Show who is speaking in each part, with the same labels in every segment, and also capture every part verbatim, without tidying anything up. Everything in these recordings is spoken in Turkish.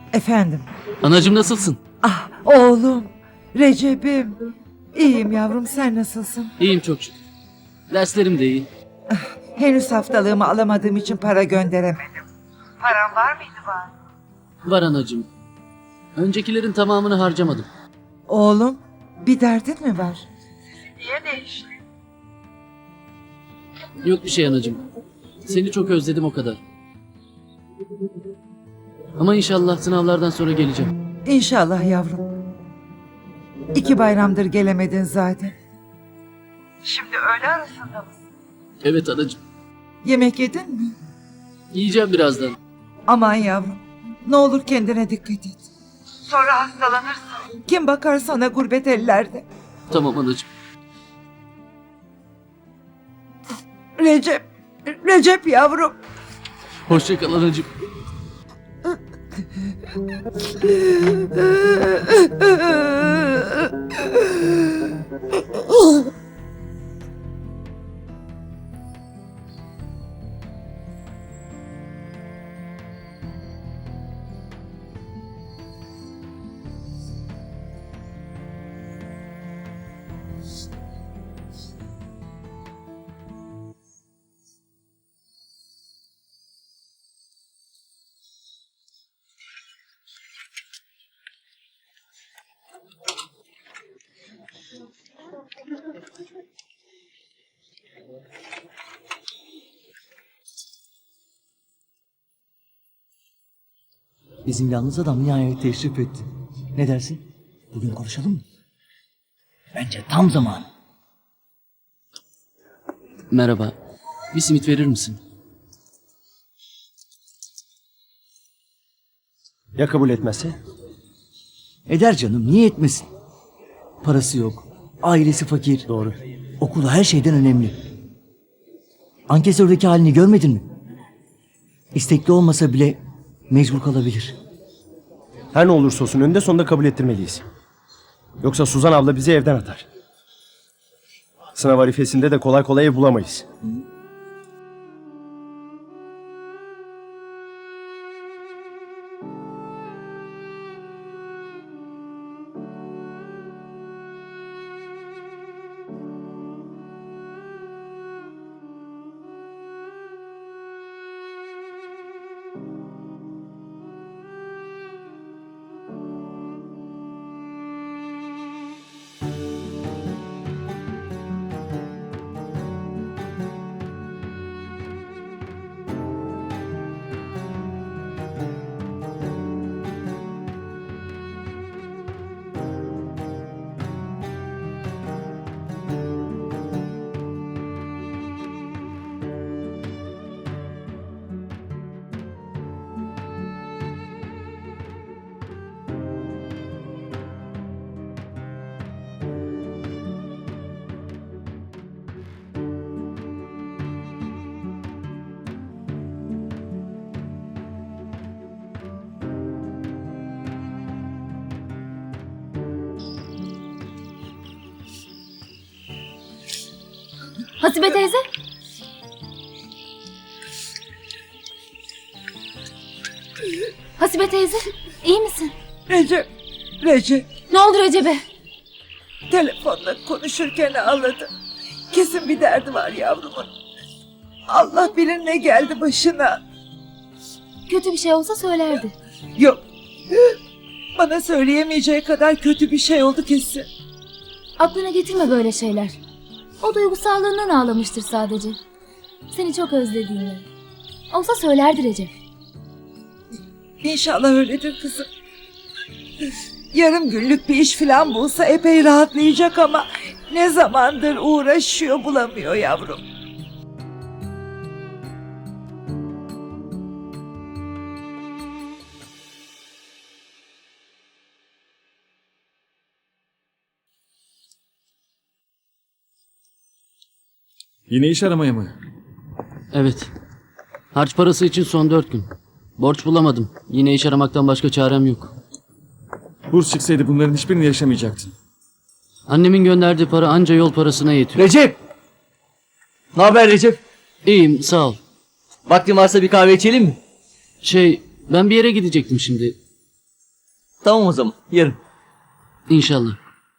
Speaker 1: Efendim?
Speaker 2: Anacığım nasılsın?
Speaker 1: Ah oğlum, Recep'im. İyiyim yavrum, sen nasılsın?
Speaker 2: İyiyim çok şükür. Derslerim de iyi.
Speaker 1: Henüz haftalığımı alamadığım için para gönderemedim. Param var mıydı var?
Speaker 2: Var anacığım. Öncekilerin tamamını harcamadım.
Speaker 1: Oğlum, bir derdin mi var? Niye değişti?
Speaker 2: Yok bir şey anacığım. Seni çok özledim o kadar. Ama inşallah sınavlardan sonra geleceğim.
Speaker 1: İnşallah yavrum. İki bayramdır gelemedin zaten. Şimdi öğle arasında mısın?
Speaker 2: Evet anacığım.
Speaker 1: Yemek yedin mi?
Speaker 2: Yiyeceğim birazdan.
Speaker 1: Aman yavrum, ne olur kendine dikkat et. Sonra hastalanırsın. Kim bakar sana gurbet ellerde?
Speaker 2: Tamam anacığım.
Speaker 1: Recep, Recep yavrum.
Speaker 2: Hoşça kal anacığım.
Speaker 3: Bizim yalnız adam nihayet teşrif etti. Ne dersin? Bugün konuşalım mı? Bence tam zamanı.
Speaker 2: Merhaba. Bir simit verir misin?
Speaker 4: Ya kabul etmezse?
Speaker 3: Eder canım, niye etmesin? Parası yok, ailesi fakir.
Speaker 4: Doğru.
Speaker 3: Okulu her şeyden önemli. Ankesördeki halini görmedin mi? İstekli olmasa bile mecbur kalabilir.
Speaker 4: Her ne olursa olsun önünde sonunda kabul ettirmeliyiz. Yoksa Suzan abla bizi evden atar. Sınav arifesinde de kolay kolay ev bulamayız.
Speaker 5: Hasibe teyze. Hasibe teyze, iyi misin?
Speaker 1: Recep, Recep.
Speaker 5: Ne oldu Recep'e?
Speaker 1: Telefonla konuşurken ağladı. Kesin bir derdi var yavrumun. Allah bilir ne geldi başına.
Speaker 5: Kötü bir şey olsa söylerdi.
Speaker 1: Yok. Bana söyleyemeyeceği kadar kötü bir şey oldu kesin.
Speaker 5: Aklına getirme böyle şeyler. O duygusallığından ağlamıştır sadece. Seni çok özlediğini. Olsa söylerdi Recep.
Speaker 1: İnşallah öyledir kızım. Yarım günlük bir iş falan bulsa epey rahatlayacak ama ne zamandır uğraşıyor bulamıyor yavrum.
Speaker 6: Yine iş aramaya mı?
Speaker 2: Evet. Harç parası için son dört gün. Borç bulamadım. Yine iş aramaktan başka çarem yok.
Speaker 6: Burs çıksaydı bunların hiçbirini yaşamayacaktın.
Speaker 2: Annemin gönderdiği para anca yol parasına yetiyor.
Speaker 3: Recep! Ne haber Recep?
Speaker 2: İyiyim sağ ol.
Speaker 3: Vaktin varsa bir kahve içelim mi?
Speaker 2: Şey ben bir yere gidecektim şimdi.
Speaker 3: Tamam o zaman. Yarın.
Speaker 2: İnşallah.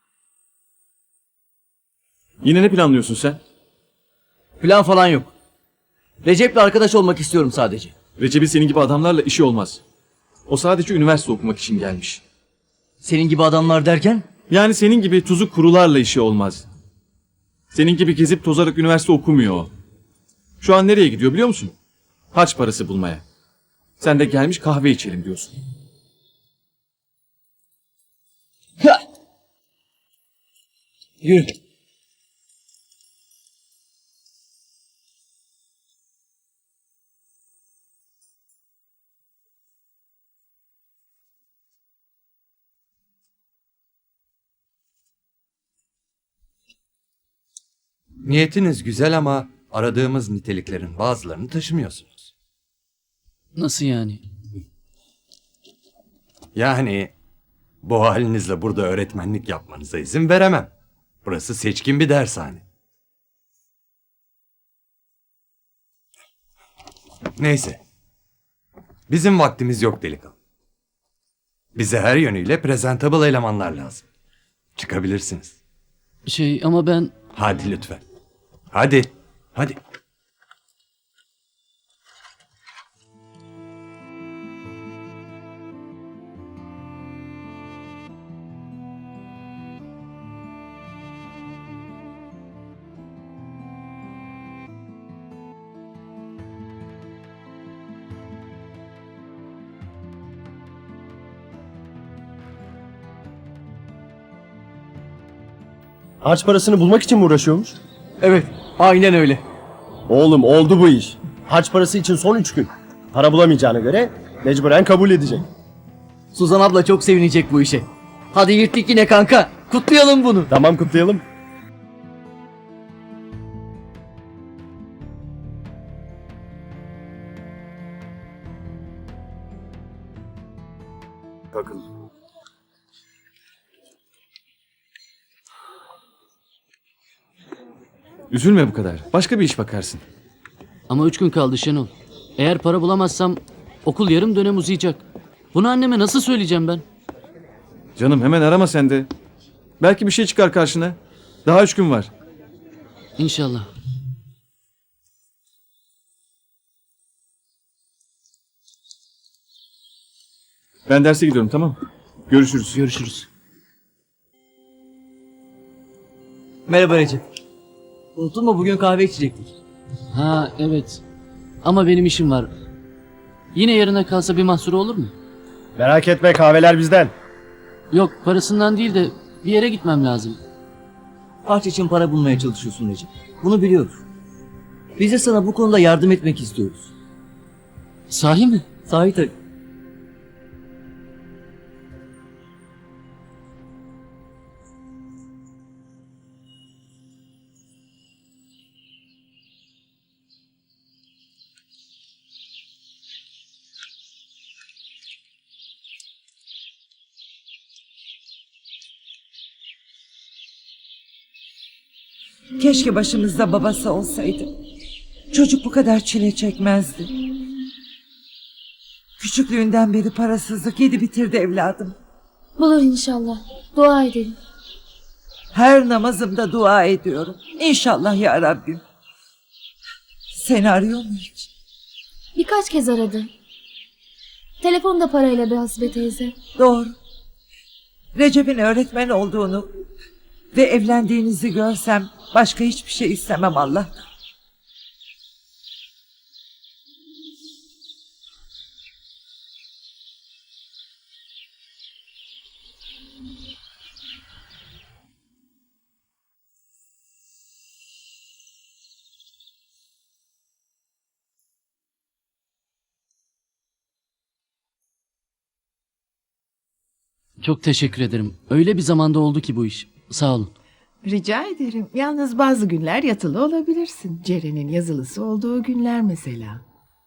Speaker 6: Yine ne planlıyorsun sen?
Speaker 3: Plan falan yok. Recep'le arkadaş olmak istiyorum sadece.
Speaker 6: Recep'in senin gibi adamlarla işi olmaz. O sadece üniversite okumak için gelmiş.
Speaker 3: Senin gibi adamlar derken?
Speaker 6: Yani senin gibi tuzuk kurularla işi olmaz. Senin gibi gezip tozarak üniversite okumuyor o. Şu an nereye gidiyor biliyor musun? Harç parası bulmaya. Sen de gelmiş kahve içelim diyorsun.
Speaker 3: Ha! Yürü.
Speaker 7: Niyetiniz güzel ama aradığımız niteliklerin bazılarını taşımıyorsunuz.
Speaker 2: Nasıl yani?
Speaker 7: Yani bu halinizle burada öğretmenlik yapmanıza izin veremem. Burası seçkin bir dershane. Neyse. Bizim vaktimiz yok delikanlı. Bize her yönüyle presentable elemanlar lazım. Çıkabilirsiniz.
Speaker 2: Şey ama ben...
Speaker 7: Hadi lütfen. Hadi. Hadi.
Speaker 4: Harç parasını bulmak için mi uğraşıyormuş?
Speaker 3: Evet. Aynen öyle.
Speaker 4: Oğlum oldu bu iş. Harç parası için son üç gün. Para bulamayacağına göre mecburen kabul edecek.
Speaker 3: Suzan abla çok sevinecek bu işe. Hadi yırttık yine kanka. Kutlayalım bunu.
Speaker 4: Tamam, kutlayalım. Bakın.
Speaker 6: Üzülme bu kadar. Başka bir iş bakarsın.
Speaker 2: Ama üç gün kaldı Şenol. Eğer para bulamazsam okul yarım dönem uzayacak. Bunu anneme nasıl söyleyeceğim ben?
Speaker 6: Canım hemen arama sen de. Belki bir şey çıkar karşına. Daha üç gün var.
Speaker 2: İnşallah.
Speaker 6: Ben derse gidiyorum, tamam. Görüşürüz.
Speaker 2: Görüşürüz.
Speaker 3: Merhaba Recep. Unuttun mu bugün kahve içecektik.
Speaker 2: Ha evet. Ama benim işim var. Yine yarına kalsa bir mahsuru olur mu?
Speaker 4: Merak etme, kahveler bizden.
Speaker 2: Yok, parasından değil de bir yere gitmem lazım.
Speaker 3: Harç için para bulmaya çalışıyorsun Recep. Bunu biliyoruz. Biz de sana bu konuda yardım etmek istiyoruz.
Speaker 2: Sahi mi?
Speaker 3: Sahi tabii.
Speaker 1: Keşke başımızda babası olsaydı. Çocuk bu kadar çile çekmezdi. Küçüklüğünden beri parasızlık yedi bitirdi evladım.
Speaker 5: Bulur inşallah. Dua edelim.
Speaker 1: Her namazımda dua ediyorum. İnşallah ya Rabbim. Seni arıyor mu hiç?
Speaker 5: Birkaç kez aradı. Telefonda parayla be Hasibe teyze.
Speaker 1: Doğru. Recep'in öğretmen olduğunu ve evlendiğinizi görsem başka hiçbir şey istemem Allah'tan.
Speaker 2: Çok teşekkür ederim. Öyle bir zamanda oldu ki bu iş. Sağ olun.
Speaker 8: Rica ederim. Yalnız bazı günler yatılı olabilirsin. Ceren'in yazılısı olduğu günler mesela.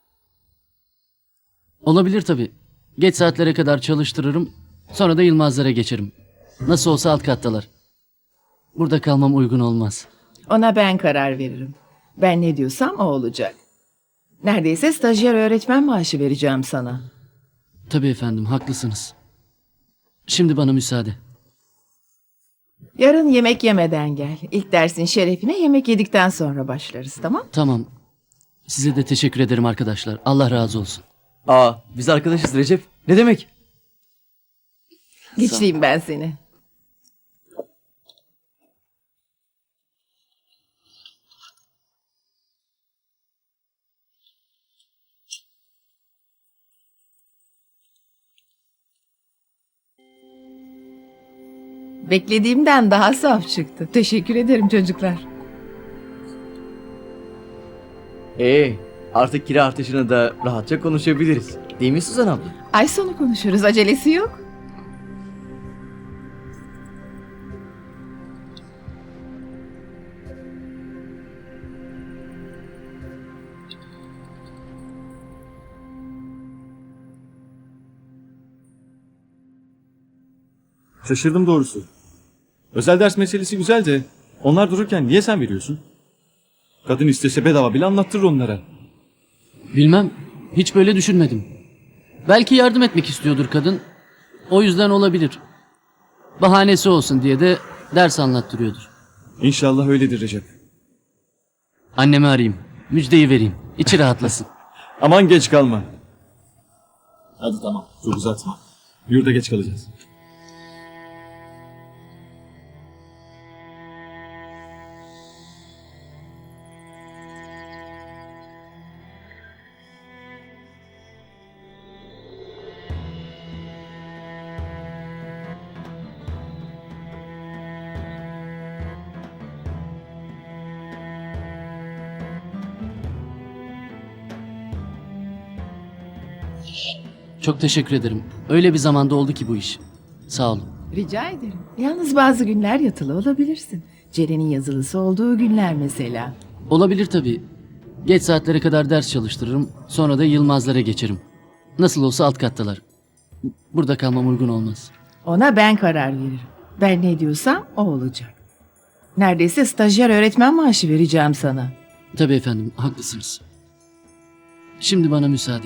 Speaker 2: Olabilir tabii. Geç saatlere kadar çalıştırırım. Sonra da Yılmazlara geçerim. Nasıl olsa alt kattalar. Burada kalmam uygun olmaz.
Speaker 8: Ona ben karar veririm. Ben ne diyorsam o olacak. Neredeyse stajyer öğretmen maaşı vereceğim sana.
Speaker 2: Tabii efendim, haklısınız. Şimdi bana müsaade.
Speaker 8: Yarın yemek yemeden gel. İlk dersin şerefine yemek yedikten sonra başlarız, tamam?
Speaker 2: Tamam. Size de teşekkür ederim arkadaşlar. Allah razı olsun.
Speaker 3: Aa, biz arkadaşız Recep. Ne demek?
Speaker 8: Geçleyeyim ben seni. Beklediğimden daha saf çıktı. Teşekkür ederim çocuklar.
Speaker 3: Ee, artık kira artışını da rahatça konuşabiliriz. Değil mi Suzan abla?
Speaker 8: Ay sonu konuşuruz, acelesi yok.
Speaker 6: Şaşırdım doğrusu. Özel ders meselesi güzel de onlar dururken niye sen veriyorsun? Kadın istese bedava bile anlattırır onlara.
Speaker 2: Bilmem. Hiç böyle düşünmedim. Belki yardım etmek istiyordur kadın. O yüzden olabilir. Bahanesi olsun diye de ders anlattırıyordur.
Speaker 6: İnşallah öyledir Recep.
Speaker 2: Annemi arayayım. Müjdeyi vereyim. İçi rahatlasın.
Speaker 6: Aman geç kalma. Hadi tamam. Çok uzatma. Yurda geç kalacağız.
Speaker 2: Çok teşekkür ederim. Öyle bir zamanda oldu ki bu iş. Sağ olun.
Speaker 8: Rica ederim. Yalnız bazı günler yatılı olabilirsin. Ceren'in yazılısı olduğu günler mesela.
Speaker 2: Olabilir tabii. Geç saatlere kadar ders çalıştırırım. Sonra da Yılmazlara geçerim. Nasıl olsa alt kattalar. Burada kalmam uygun olmaz.
Speaker 8: Ona ben karar veririm. Ben ne diyorsam o olacak. Neredeyse stajyer öğretmen maaşı vereceğim sana.
Speaker 2: Tabii efendim, haklısınız. Şimdi bana müsaade.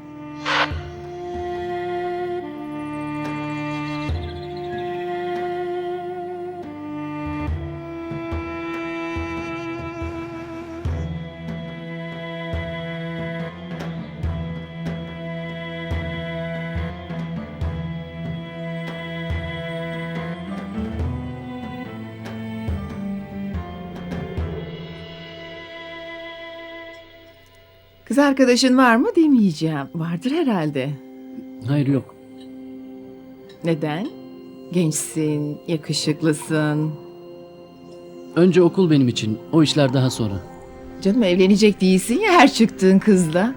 Speaker 8: Kız arkadaşın var mı demeyeceğim. Vardır herhalde.
Speaker 2: Hayır yok.
Speaker 8: Neden? Gençsin, yakışıklısın.
Speaker 2: Önce okul benim için. O işler daha sonra.
Speaker 8: Canım evlenecek değilsin ya her çıktığın kızla.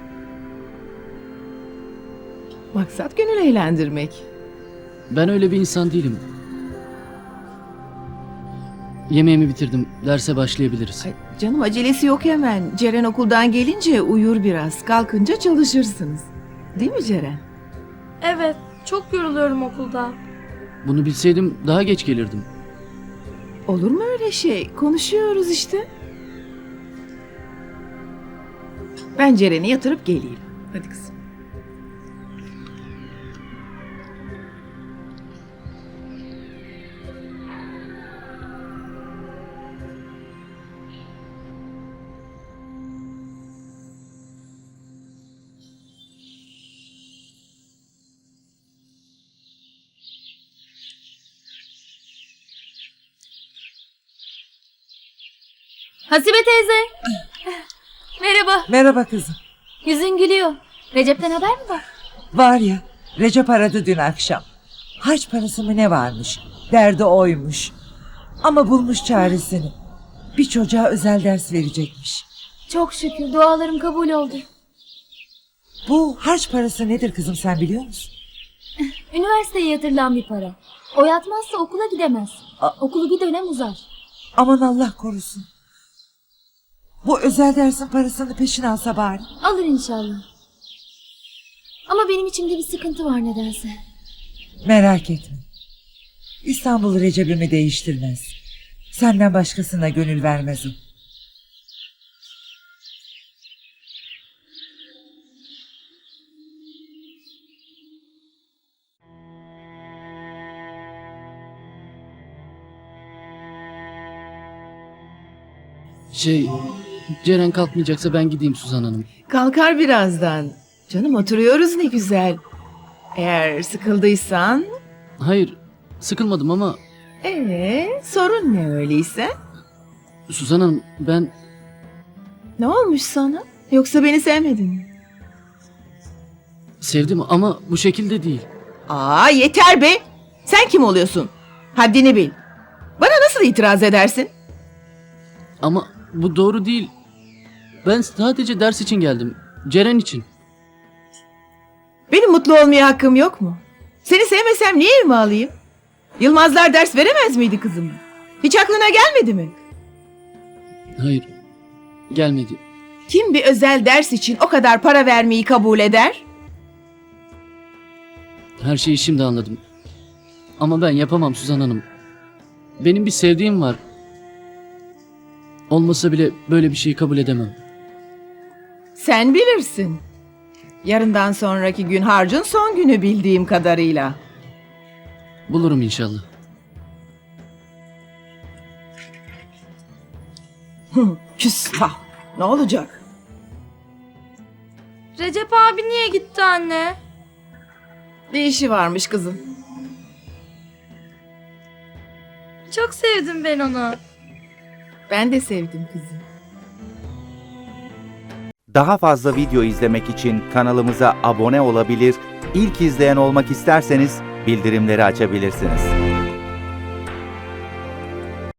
Speaker 8: Maksat gönül eğlendirmek.
Speaker 2: Ben öyle bir insan değilim. Yemeğimi bitirdim. Derse başlayabiliriz.
Speaker 8: Ay, canım acelesi yok hemen. Ceren okuldan gelince uyur biraz. Kalkınca çalışırsınız. Değil mi Ceren?
Speaker 9: Evet, çok yoruluyorum okulda.
Speaker 2: Bunu bilseydim daha geç gelirdim.
Speaker 8: Olur mu öyle şey? Konuşuyoruz işte. Ben Ceren'i yatırıp geleyim. Hadi kızım.
Speaker 5: Hasibe teyze. Merhaba.
Speaker 1: Merhaba kızım.
Speaker 5: Yüzün gülüyor. Recep'ten haber mi var?
Speaker 1: Var ya, Recep aradı dün akşam. Haç parası mı ne varmış? Derdi oymuş. Ama bulmuş çaresini. Bir çocuğa özel ders verecekmiş.
Speaker 5: Çok şükür dualarım kabul oldu.
Speaker 1: Bu harç parası nedir kızım sen biliyor musun?
Speaker 5: Üniversiteye yatırılan bir para. O yatmazsa okula gidemez.
Speaker 1: A-
Speaker 5: Okulu bir dönem uzar.
Speaker 1: Aman Allah korusun. Bu özel dersin parasını peşin alsa bari.
Speaker 5: Alır inşallah. Ama benim içimde bir sıkıntı var nedense.
Speaker 1: Merak etme. İstanbul Recep'imi değiştirmez. Senden başkasına gönül vermez o.
Speaker 2: Şey, Ceren kalkmayacaksa ben gideyim Suzan Hanım.
Speaker 8: Kalkar birazdan. Canım oturuyoruz ne güzel. Eğer sıkıldıysan...
Speaker 2: Hayır, sıkılmadım ama
Speaker 8: Ee, sorun ne öyleyse?
Speaker 2: Suzan Hanım ben
Speaker 8: Ne olmuş sana? Yoksa beni sevmedin mi?
Speaker 2: sevdim ama bu şekilde değil.
Speaker 8: Aa yeter be! Sen kim oluyorsun? Haddini bil. Bana nasıl itiraz edersin?
Speaker 2: Ama bu doğru değil. Ben sadece ders için geldim. Ceren için.
Speaker 8: Benim mutlu olmaya hakkım yok mu? Seni sevmesem niye evime alayım? Yılmazlar ders veremez miydi kızım? Hiç aklına gelmedi mi?
Speaker 2: Hayır, gelmedi.
Speaker 8: Kim bir özel ders için o kadar para vermeyi kabul eder?
Speaker 2: Her şeyi şimdi anladım. Ama ben yapamam Suzan Hanım. Benim bir sevdiğim var. Olmasa bile böyle bir şeyi kabul edemem.
Speaker 8: Sen bilirsin. Yarından sonraki gün harcın son günü bildiğim kadarıyla.
Speaker 2: Bulurum inşallah.
Speaker 8: Küstah. Ne olacak?
Speaker 9: Recep abi niye gitti anne?
Speaker 8: Bir işi varmış kızım.
Speaker 9: Çok sevdim ben onu.
Speaker 8: Ben de sevdim kızım.
Speaker 10: Daha fazla video izlemek için kanalımıza abone olabilir, ilk izleyen olmak isterseniz bildirimleri açabilirsiniz.